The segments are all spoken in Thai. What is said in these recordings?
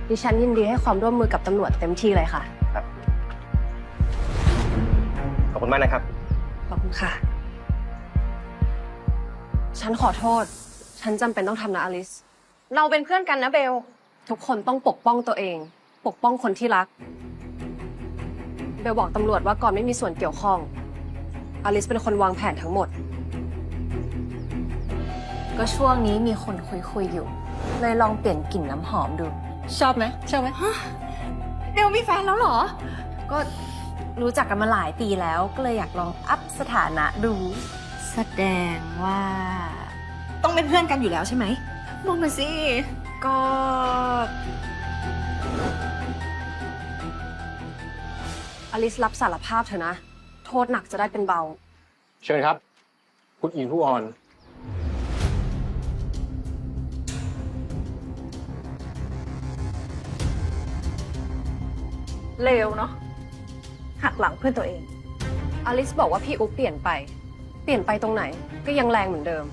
ดิฉันยินดีให้ความร่วมมือกับตำรวจเต็มที่เลยค่ะครับขอบคุณมากนะครับขอบคุณค่ะฉันขอโทษฉันจำเป็นต้องทำนะอลิสเราเป็นเพื่อนกันนะเบลทุกคนต้องปกป้องตัวเองปกป้องคนที่รักเบลบอกตำรวจว่าก่อนไม่มีส่วนเกี่ยวข้องอลิสเป็นคนวางแผนทั้งหมดก็ช่วงนี้มีคนคุยอยู่เลยลองเปลี่ยนกลิ่นน้ำหอมดูชอบไหมเบลมีแฟนแล้วเหรอก็รู้จักกันมาหลายปีแล้วก็เลยอยากลองอัพสถานะดูแสดงว่าต้องเป็นเพื่อนกันอยู่แล้วใช่ไหมบอกมาสิก็อลิสรับสารภาพเถอะนะโทษหนักจะได้เป็นเบาเชิญครับคุณอินผู้ออนเลวเนาะหักหลังเพื่อนตัวเองอลิสบอกว่าพี่อุ๊บเปลี่ยนไปตรงไหนก็ยังแรงเหมือนเดิม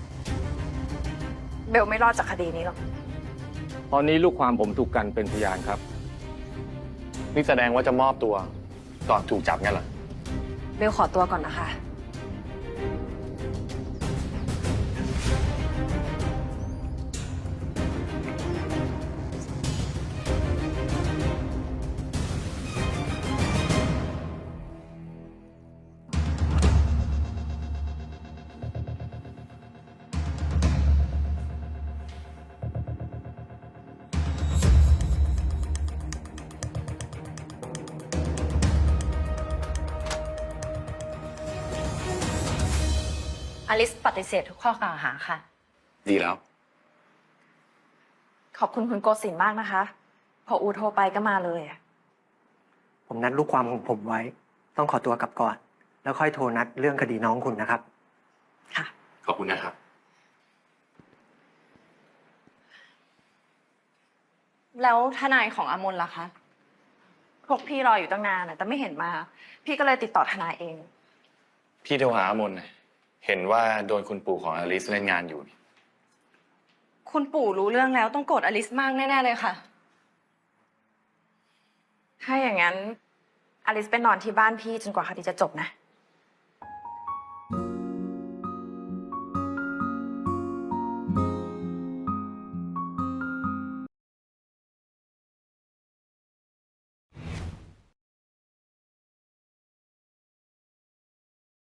เบลไม่รอดจากคดีนี้หรอกตอนนี้ลูกความผมถูกกันเป็นพยานครับนี่แสดงว่าจะมอบตัวก่อนถูกจับงั้นเหรอเบลขอตัวก่อนนะคะอลิสปฏิเสธทุกข้อกล่าวหาค่ะดีแล้วขอบคุณคุณโกศินทร์มากนะคะ พออูโทรไปก็มาเลยผมนัดลูกความของผมไว้ ต้องขอตัวกลับก่อน แล้วค่อยโทรนัดเรื่องคดีน้องคุณนะครับค่ะขอบคุณนะครับแล้วทนายของอมนล่ะคะพวกพี่รออยู่ตั้งนานแต่ไม่เห็นมา พี่ก็เลยติดต่อทนายเองพี่โทรหาอมนเห็นว่าโดนคุณปู่ของอลิสเล่นงานอยู่คุณปู่รู้เรื่องแล้วต้องโกรธอลิสมากแน่ๆเลยค่ะถ้าอย่างนั้นอลิสไปนอนที่บ้านพี่จนกว่าคดีจะจบนะ